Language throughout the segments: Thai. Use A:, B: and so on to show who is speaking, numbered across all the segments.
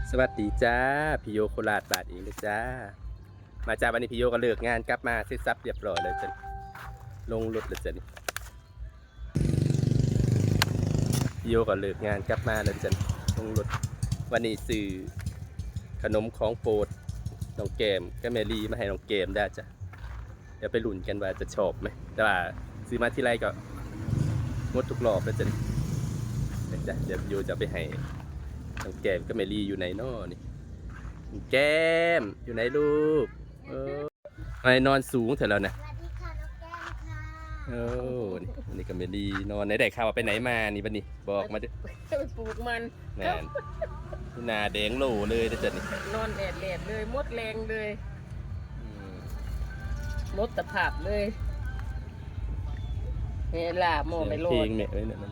A: สวัสดีจ้าพี่โยโคราชบาทเองเลยจ้ามาจากวันนี้พี่โยก็เลิกงานกลับมาเสร็จสับเรียบร้อยเลยจ้ะลงรถเลยจ้ะนี่พี่โยก็เลิกงานกลับมาเลยจ้ะลงรถวันนี้ซื้อขนมของโปรดน้องเกมก็แมรี่มาให้น้องเกมได้จ้ะเดี๋ยวไปลุ้นกันว่าจะชอบไหมแต่ว่าซื้อมาที่ไรก็งดทุกรอบเลยจ้ะนี่จ้ะเดี๋ยวพี่โยจะไปให้น้องแก้มก็แมรี่อยู่ไหนน้อนี่แก้มอยู่ไหนลูกไอ้นอนสูงเถอะแล้วนะ
B: สวัสดีค่ะน้องแก้มค่ะ
A: โอ้นี่ก็แมรี่นอนไหนได้ข่าวว่าไปไหนมานี่บัดนี้บอกมาดิ
C: ไปปลูกมัน
A: แม่นหน้าแดงโหลเลยนะจ๊ะนี่
C: นอนแดดเลยมดแรงเลยมดตะภาพเลยเวลาโมไม่โลด
A: เพลงแม่เอ้ยเนี่ย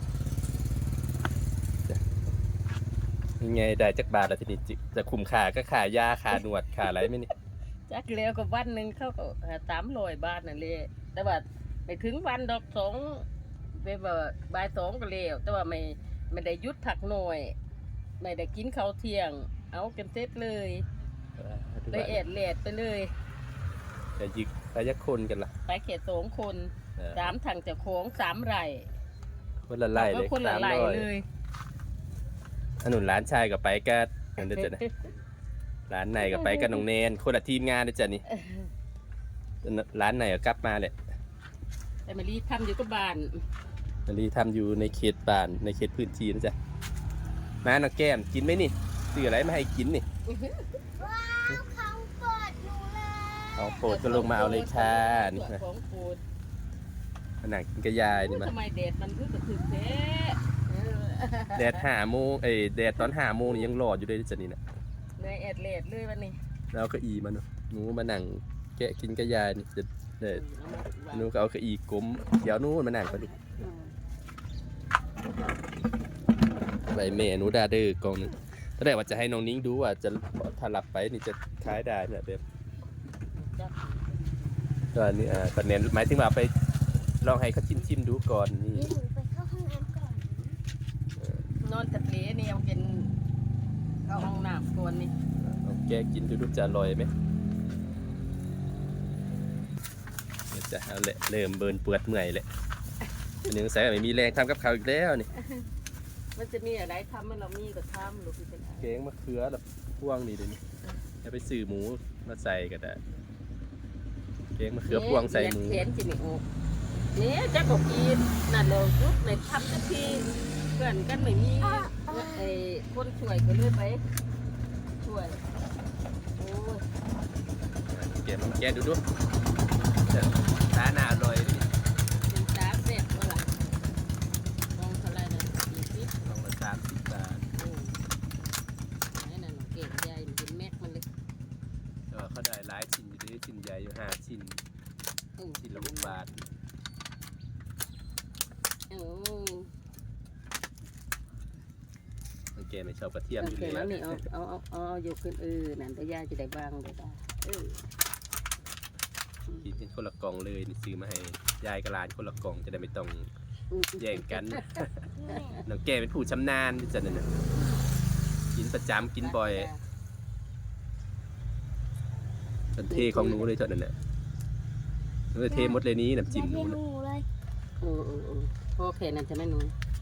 A: ยังไงได้จักบาทละทีนี้จะคุ้มค่าก็ค่ายาค่าหนวดค่าอะไรไหมนี่
C: จักเลี้ยวกับวันหนึ่งเขาก็300 บาทนั่นเลยแต่ว่าไม่ถึงวันดอกสองไปว่าบ่าย2ก็เลี้ยวแต่ว่าไม่ได้ยุดผักหน่อยไม่ได้กินข้าวเที่ยงเอากันเสร็จเลยเลยแอดแลดไปเลย
A: จะยึกไปยักคนกันล่ะ
C: ไปแค่2 คน3 ถังจากโค้ง3 ไร่
A: คนละไร่เลย
C: คนละไร่เลย
A: ถนนร้านชายกับไปก็เห็นได้จ้ะนะร้านไหนกับไปกับน้องเนนคนละทีมงานได้จ้ะนี่ร้านไหนก็กลับมาเลย
C: แต่มารีทำอยู่กับบ้าน
A: มารีทำอยู่ในเขตบ้านในเขตพื้นที่นะจ๊ะมาน้องแก้มกินไหมนี่ซื้ออะไรมาให้กินนี่
B: ว้าวของโปรดหนูเลย
A: ของโปรดก็ลงมาเอาเลยค่ะนี่นะ
C: ของโปรด
A: หนังกินกระยายนี่มา
C: ทำไมแดดมันก็ถึงแท้
A: แดด5 โมงแดดตอน5 โมงนี่ยังรออยู่เลยจ้ะนี่นะ
C: ในแอดเลดเลยวันนี้
A: แล้วก็อีมาเนาะหนูมานั่งแกะกินกระยายนี่จะหนูก็เอากระอีกลมเดี๋ยวนู้นมานั่งไปดูใบเมนูดาเดอร์กองนึงตอนแรกว่าจะให้น้องนิ้งดูว่าจะถ้าหลับไปนี่จะคล้ายได้เนี่ยแบบตอนนี้ตอนนี้หมายถึงว่าไปลองให้เขาชิมดูก่อนนี่
B: หนูไปเข้าห้องน้ำก่อน
C: นอนตะเลนี่ยังเป็นเอาห้องน้ำก่อนนี่
A: แกกินดูจะอร่อยไหมจะเอาละเริ่มเบิร์นเปื่อยเมื่อยเลยอันนี้ใส่ไม่มีแรงทำกับข้าวอีกแล้วนี่
C: มันจะมีอะไรทำมันเรามีก็ทำลูกพี่เป็น
A: แกงมะเขือแบบพ่วงนี่เดี๋ยวนี้จะไปซื้อหมูมาใส่ก็ได้แกงมะเขือพ่วงใส่หมู
C: เขียนจิมิโอเนี่ยจะบอกกินนั่นเลยยุดในทำสักทีเพื่อนกันไม่มีไอ้คนช่วยก็เลยไปช่วยโอ้ย
A: แกดูตาหน้าอร่อยดิ
C: เป็นตาเสร็จแล้วล่ะลองเท่าไรนะ
A: ลองละ30 บาท
C: ไอ้นั่นเก่งใหญ่มันเป็นแม็กมันเลย
A: ก็เขาได้หลายชิ้นอยู่ด้วยชิ้นใหญ่อยู่5 ชิ้นชิ้นละ6 บาทแกไม่ชอบกระเทียมอยู่แล้ว
C: นี่เอาอยู่ขึ้นนั่นแต่ย่าจะได้บ้างได้
A: กินเป็นคนละกล่องเลยนี่ซื้อมาให้ยายกับหลานคนละกล่องจะได้ไม่ต้องแย่งกันน้องแกเป็นผู้ชำนาญที่จะเนี่ยกินประจำกินบ่อยเป็นเทของหนูเลยเถอะนั่นแหละเทหมดเลยนี้น้ำจิ้มหนู
B: เลย
C: โอเคนั่นจะไม่หนู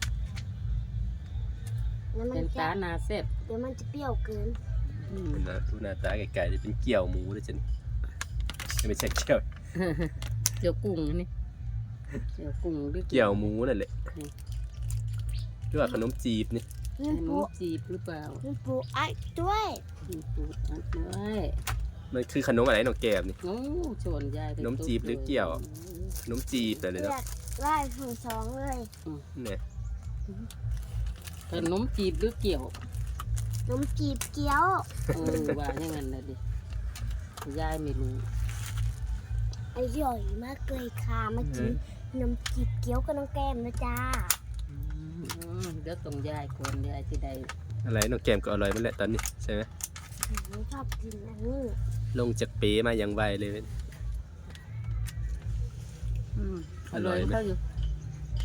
C: เป็นตาหนาเสร็จ
B: เดี๋ยวมันจะเปรี้ยวเกิน
A: นะทุนาตาไก่ๆจะเป็นเกี่ยวหมูเลยจ้ะนี่ไม่ใช่เกี่
C: ยวกุ้งนี่เกี่ยวกุ้งหรือ
A: เกี่ยวหมูนั่นแหละหรือว่าขนมจีบนี่
C: ขนมจีบหรือเปล่า
B: ปูอัดด้วย
C: ปูอัดด้วย
A: มันคือขนมอะไรน้องแก้มนี่
C: โอ้ชวนยาย
A: ขนมจีบหรือเกี่ยวขนมจีบแต่เลยเนาะ
B: ไล่ถึง2เลย
A: เนี่ย
C: ขนมจีบหรือเกี่ยว
B: ขนมจีบเกี๊ยว
C: ว่าอย่างนั้นนะดิยายไม่รู้
B: อร่อยมากเลยค่ะมากินขนมจีบเกี๊ยวกับน้องแก้มนะจ้า
C: เดี๋ยวต้องยายคนยายที่ใด
A: อะไรน้องแก้มก็อร่อยมันแหละตอนนี้ใช่ไหม
B: ชอบกินอันนี้
A: ลงจากเป๊มาอย่างไวเลย
C: อร่อยไหม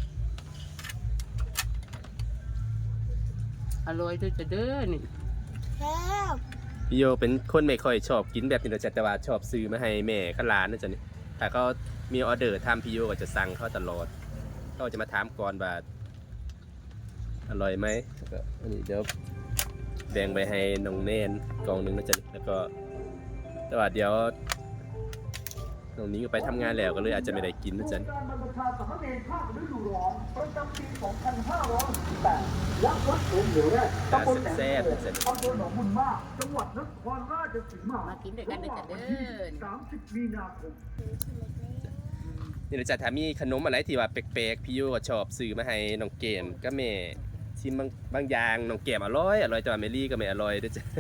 C: อร่อยด้วยจะเด้อนี่
B: แซ่บ
A: พี่โยเป็นคนไม่ค่อยชอบกินแบบนี้นะจ๊ะแต่ว่าชอบซื้อมาให้แม่ข้าร้านนะจ๊ะนี่ถ้าเขามีออเดอร์ทำพี่โยก็จะสั่งเขาตลอดเขาจะมาถามก่อนว่าอร่อยไหมแล้วก็อันนี้เดี๋ยวแบ่งไปให้น้องเนนกล่องหนึงนะจ๊ะนี่แล้วก็แต่ว่าเดี๋ยวน้องนี้ก็ไปทำงานแล้วก็เลยอาจจะไม่ได้กินนะจ๊ะนี่
D: การบรรพชาสามเณรภาคฤดูร้อนประจำปี 2568 ยักษ์วัดโขงเหนือแรกตำบลแหลม
A: แซ่บ
D: โข
A: ๆ
D: ง
A: แซ่บ
D: อำเภอหนองบุญมาก จังหวัดนครราชสีมา
C: มากินด้วยกันด้วยจ้ะเด้อ
D: 30 มีนาคม
A: นี่นะจ๊ะถ้ามีขนมอะไรที่ว่าแปลกๆพี่โยก็ชอบซื้อมาให้น้องเกมก็แม่ชิมบางอย่างน้องเกมอร่อยแต่ว่าเมลี่ก็ไม่อร่อยด้วยจ้ะ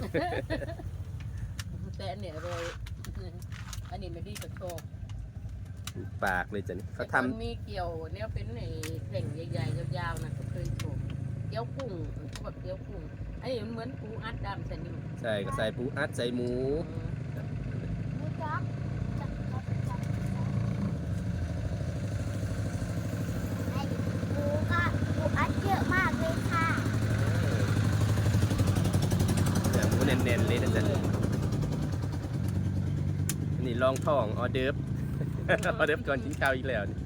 C: แต่อันเนี้ยอร่อยอันนี้ไม่ดีกับโชค
A: ปากเลยจ้ะนี่เขา
C: แต่
A: ทำ
C: คนมีเกี่ยวเนี่ยเป็นไอ้แผ่งใหญ่ๆยาวๆนะก็เคยโชคเกี๊ยวกุ้งเขาแบบเกี๊ยวกุ้งอันนี้มันเหมือนปูอัดดำใส่นิ่ม
A: ใช่ก็ใส่ปูอัดใส่หมู
B: หมูจ๊อกจ๊อกจ๊อกจ๊อกไอ้หมูค่ะหมูอัดเยอะมากเลยค่ะ
A: เนื้อหมูเน้นๆเลยนะจ๊ะอันนี่ลองท้องออเดิร์ฟ ออเดิร์ฟก่อนกินข้าวอีกแล้วนี่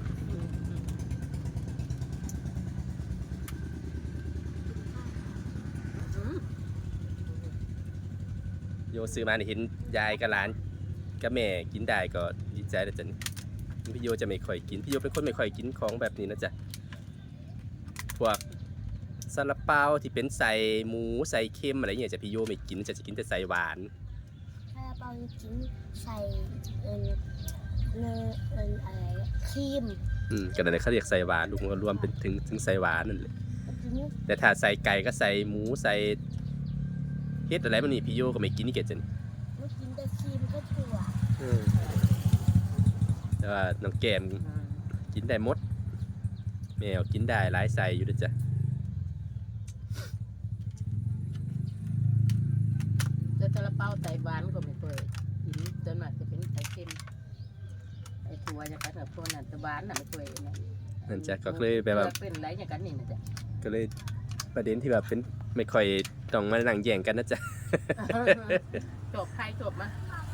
A: โยซื้อมาเนี่ยเห็นยายกับหลานกับแม่กินได้ก็ดีใจแล้วจ้ะนี่พี่โยจะไม่ค่อยกินพี่โยเป็นคนไม่ค่อยกินของแบบนี้นะจ๊ะพวกซาลาเปาที่เป็นใส่หมูใส่เค็มอะไรเงี้ยจะพี่โยไม่กินจะกินแต่ใส่หวาน
B: ซาลาเปาจิ้มใส่เนยอะไรครีม
A: ก็นั่นแหละเขาเรียกใส่หวานรวมก็รวมเป็นถึงใส่หวานนั่นแหละ
B: จิ้ม
A: แต่ถ้าใส่ไก่ก็ใส่หมูใส่เฮ็ดอะไรมันนี่พี่โยก็ไม่กินนี่เกดจ้ะนี่
B: ไม่กินแต่ครีมก็ถั่ว
A: แต่ว่าน้องแก้มกินได้หมดแมวกินได้หลายใส่อยู่ด้วยจ้ะ
C: แต่ซาลาเปาใส่หวานก็ไม่เคยกินจนมากจะเป็นไข่เค็มไอ้ถั่วอย่างกันกับพวกนั้นแต่หวานน่ะไม่เคยนะ
A: นั่นจ้ะก็เลยแบบว่า
C: เป็นไรอย่างกันนี่นะจ๊ะ
A: ก็เลยประเด็นที่แบบเป็นไม่ค่อยต้องมานั่งแย่งกันนะจ๊ะ
C: จบใครจบมา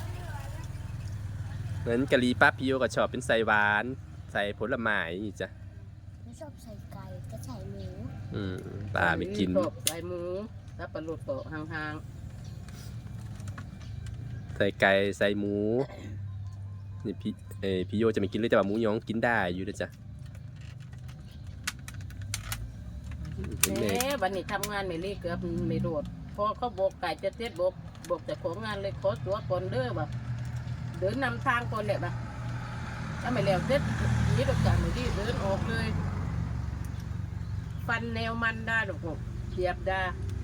A: งั้นกะหรี่ปั๊บพี่โยก็ชอบเป็นใส่หวานใส่ผลไม้นี่จ้ะ
B: ไม่ชอบใส่ไก่ก็ใส่หมู
A: ปลาไม่กิน
C: จบใส่หมูแล้วปลาหลุดโปะห่าง
A: ใส่ไก่ใส่หมูนี่พี่โยจะไม่กินเลยแต่ว่าหมูยองกินได้อยู่นะจ๊ะ
C: ๆแหมวันนี้ทำงานไม่รีเกือบไม่โดดพอเขาบอกไก่จะเจ็ดบอกแต่ของงานเลยขอตัวก่อนเด้อแบบเดินนำทางก่อนแหละแบบถ้าไม่แล้วเจ็ดยี่ดอกจากไม่รีเดินออกเลย ฟันแนวมันได้ดอกหกเหยียบได้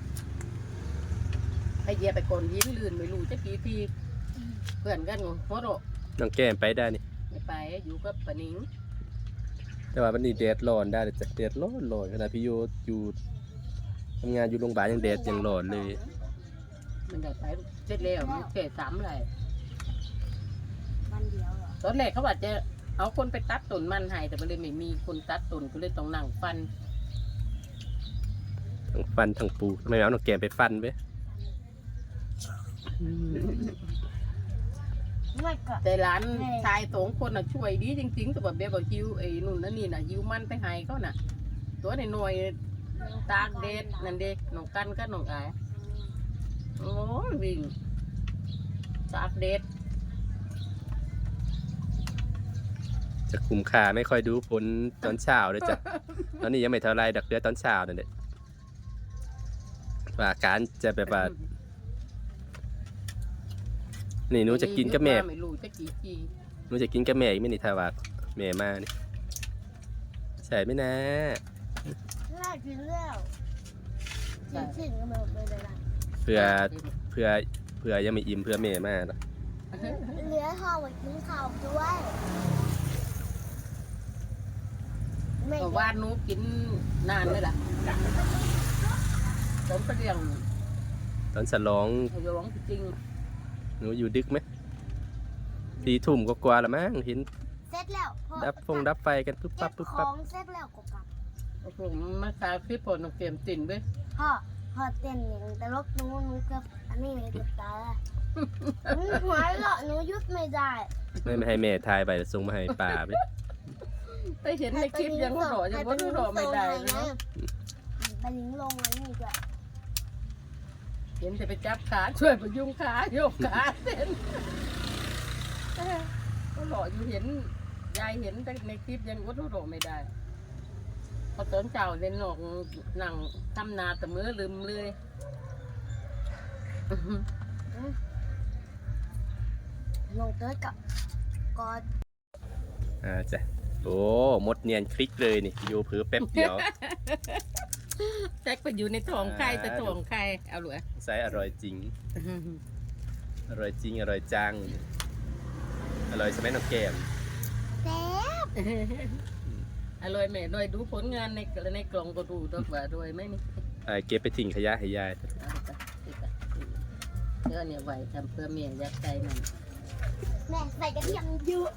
C: ไอเหยียบไปก่อนยิ้มลื่นไม่รู้จะกี่ทีเพื่อนกันงงโคตร
A: น้องแก้มไปได้นี่
C: ไม่ไปอยู่กับปะนิง
A: แต่ว่าวันนี้แดดร้อนได้เลยจ้ะแดดร้อนขนาดพี่โยอยู่ทำงานอยู่โรงพยาบาลยังแดดยังร้อนเลย
C: มันได้ไปเสร็จแล้วมันแค่สามเลย
B: วันเดียวเหรอ
C: ตอนแรกเขาว่าจะเอาคนไปตัดต้นมันให้แต่มันเลยไม่มีคนตัดต้นก็เลยต้องนั่งฟัน
A: ทั้งฟันทั้งปูทำไมเอาน้องแก้มไปฟันเว้ย
B: ไม่ก็
C: แต่หลานชายสองคนน่ะช่วยดีจริงๆแต่แบบเบี้ยบอกฮิวไอ้นู่นนั่นนี่น่ะฮิวมันไปให้เขาน่ะ ตัวในหน่วยตากเด็ดนั่นเด็กน้องกันก็น้องอายโอ้ยวิ่งตากเด็ด
A: จะคุ้มค่าไม่ค่อยดูผลตอนเช้าเลยจ้ะ ตอนนี้ยังไม่เท่าไรดักเดือตอนเช้านั่นแหละว่าการจะแบบว่านี่หนูจะกินกับแม่
C: ไม่รู้จะกี่ที
A: หนูจะกินกับแม่อีกไหม่นี่ถ้าว่าแม่มานี่ใช่ไหมนะ
B: น่ากินแล้วกินก็ไม่เป็นไร
A: เพื่อยังไม่อิ่มเพื่อแม่มาเนาะ
B: เหลือห่อไว้กินข้าวด้วยไม่
C: ก็ว่านหนูกินนานเลยล่ะผมก็เรียง
A: ตอนฉลอง
C: เขาจะร้องจริง
A: หนูอยู่ดึกไหม4 ทุ่มกว่าๆละมั้งเห็น
B: เสร็จแล้วพอ
A: ดับไฟกันปุ๊บ
B: เก็
A: ปั๊
B: บบ
A: ปุ๊บ
B: ข
A: ปั๊
B: อบ งเสร็จแล้วก็กลับ
C: ผมมาคาคลิปผลของเกมติ่นเว้ย
B: พ่อพอเต้นอย่างตลกหนูเกับอันนี้เลยกับตาหนูหัวเราะหนูหยุดไม่ได้
A: ไม่ให้แม่ทายไปแล้วส่งมาให้ป้าไป
C: ไปเห็นในคลิปยังหัวเราะยังว่าหัวเราะไม่ได้เลย
B: ไปลิงลงอันนี้ด้วย
C: เห็นแต่ไปจับขาช่วยพยุงขาโยกขาเส้นก็หล่ออยู่เห็นยายเห็นแต่ในคลิปยังว่าหัวเราะไม่ได้พอตอนเจ้าเล่นหนอกนั่งทำนาแต่มือลืมเลย
B: ลงเติร์ดกับกอด
A: จ้ะโอ้มดเนียนคลิกเลยนี่อยู่เผือแป๊บเดียว
C: แจ็คไปอยู่ในท้องใครแต่ท้องใครเอาเหรอ
A: ไซส์อร่อยจริง อร่อยจริงอร่อยจังอร่อยใช่ไหมน้องแก้ม
B: แซ่บ
C: อร่อยแม่หน่อยดูผลงานในกล่องก็ดูดอกว่าด้วยไหมนี่
A: เก็บไปทิ้งขยะให้ยาย
C: เอาไปเดี๋ยวเนี่ยไหวทำเพื่อเมียยักษ์ใจมัน
B: แม่ใส่กระเทียมเยอะ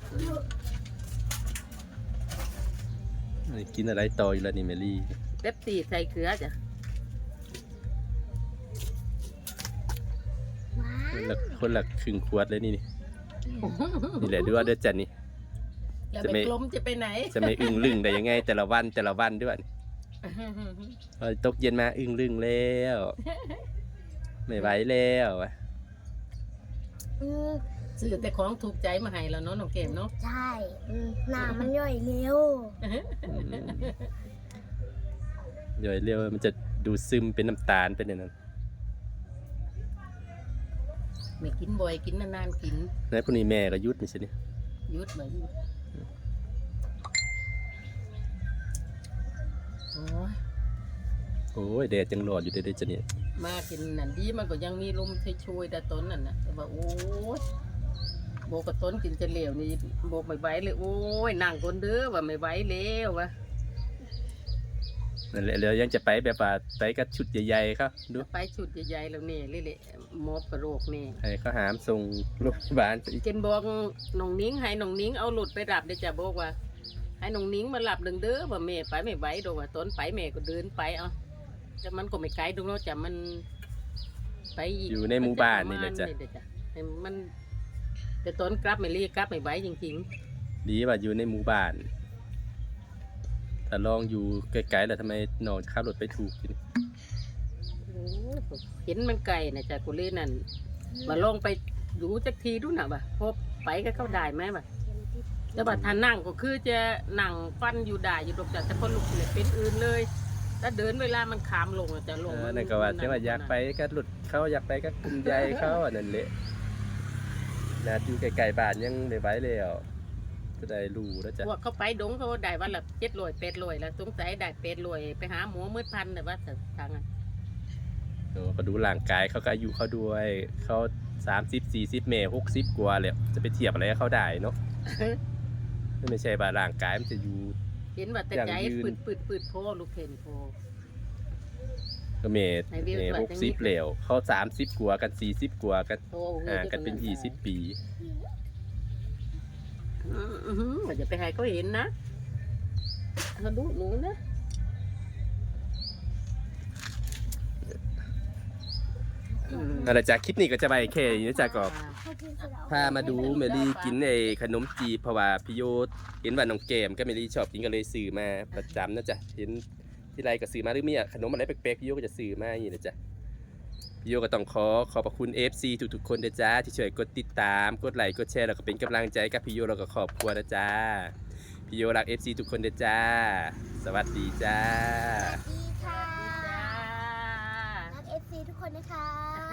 A: กินอะไรต่ออยู่แล้วนี่เมลี่
C: เป๊ปซี่ใส่เกลือจ้ะ
B: ว้า
A: คนละครึ่งขวดเลยนี่นี่แหละด้วยเด้อจันนี่
C: แล้ว
A: จะ
C: ไป
A: ไม่
C: กลมจะไปไหน
A: จะไม่อึ้งลึงได้ยังไงแต่ละวันด้วยตกเย็นมาอึ้งลึงแล้วไม่ไหวแล้วอะ
C: ซื้อแต่ของถูกใจมาให้แล้วเนาะน้องเกมเนาะ
B: ใช่หน้ามันย่อยเร็ว
A: เดี๋ยวเรียกว่ามันจะดูซึมเป็นน้ำตาลเป็นอย่างนั้น
C: ไม่กินบ่อยกินนานๆกิน
A: แล้วพวกนี้แม่ก็ยุดนี่ใช่ไหม
C: ยุดมายุดโอ้ย
A: โอ้ยแดดจังหลอดอยู่เด้อจันนี่
C: มากินนั่นดีมันก็ยังมีลมช่วยๆแต่ต้นนั่นนะแต่ว่าโอ้ยโบกับต้นกินจะเหลวนี่โบไม่ไหวเลยโอ้ยนั่งคนเด้อว่าไม่ไหวแล้ววะ
A: นั่นแหละแล้วยังจะไปแบบว่าไปกับชุดใหญ่ๆครับดู
C: ไปชุดใหญ่ๆแล้วนี่เละๆมอบกระโรคนี่
A: ให้เขาหามส่งโรงพยาบาลไปอีก
C: เจนบอกน้องนิ้งให้น้องนิ้งเอาหลุดไปรับเดี๋ยวจะบอกว่า ให้น้องนิ้งมารับเด้อว่าแม่ไปไม่ไหวดอกว่าต้นไปแม่ก็เดินไปเอาแต่มันก็ไม่ไกลดูเนาะจะมันไปก
A: อยู่ในหมู่บ้านนี่แหละจ้ะ
C: ให้มันแต่ต้นกลับไม่รีกลับไม่ไหวจริง
A: ดีว่าอยู่ในหมู่บ้านแต่ลองอยู่ไกลๆแล้วทำไมน้องขับรถไปถูกกิน
C: ๆโอ้เห็นมันไกลนะจ๊ะกูเล่นนั่นมาลองไปดูจักทีดูหน่ะบ่ะพบไปก็เข้าได้ไหมบ่ะแต่ว่าถ้านั่งก็คือจะนั่งฟันอยู่ได้อยู่ดอกจ้ะแต่พอลุกเนี่ยเป็นอื่นเลยถ้าเดินเวลามันขามลงอะจะลง
A: นั่นก็ว่าที่ว่าอยากไปก็หลุดเขาอยากไปก็กลุ่มใหญ่เขาอันนั่นแหละนาอยู่ไกลๆบ้านยังได้ไหวแล้วจะได้รู้แล้วจ้ะ
C: พวกเขาไปดงเขาได้วันละ700-800แล้วสงสัยได้800ไปหาหมอมืดพันแต่ว่าทาง
A: ก็ดูร่างกายเขาก็อายุเขาด้วยเขา30-40เมตร60กว่าแล้วจะไปเทียบอะไรกับเขาได้เนาะ ไม่ใช่ว่าร่างกายมันจะอยู่
C: เห็นว่าแต่ใจ
A: อย่างยืน
C: ปืดโพลูกเห็นโพ
A: ก็เมตร
C: ในวิว
A: เมตร
C: สวยจัง
A: 60แล้วเขา30กว่ากัน40กว่ากัน
C: โพ
A: ห่างกันเป็น20 ปี
C: อย่าไปให้เขาเห็นนะเขาดูหนูนะ
A: นั่นแหละจ้ะคลิปนี้ก็จะไปแค่นี้นะจ้ะก็พามาดูเมลี่กินไอ้ขนมจีบเพราะว่าพี่โยเห็นว่าน้องเกมก็เมลี่ชอบกินก็เลยซื้อมาประจำนะจ๊ะเห็นที่ไรก็ซื้อมาหรือมีขนมอะไรแปลกๆพี่โยก็จะซื้อมาอย่างนี้นะจ๊ะพี่โยก็ต้องขอบพระคุณ FC ทุกๆคนนะจ๊ะที่ช่วยกดติดตามกดไลค์กดแชร์แล้วก็เป็นกำลังใจกับพี่โยแล้วก็ครอบครัวนะจ๊ะพี่โยรัก FC ทุกคนนะจ๊ะสวัสดีจ้า
B: สวัสดีค่ะรัก FC ทุกคนนะคะ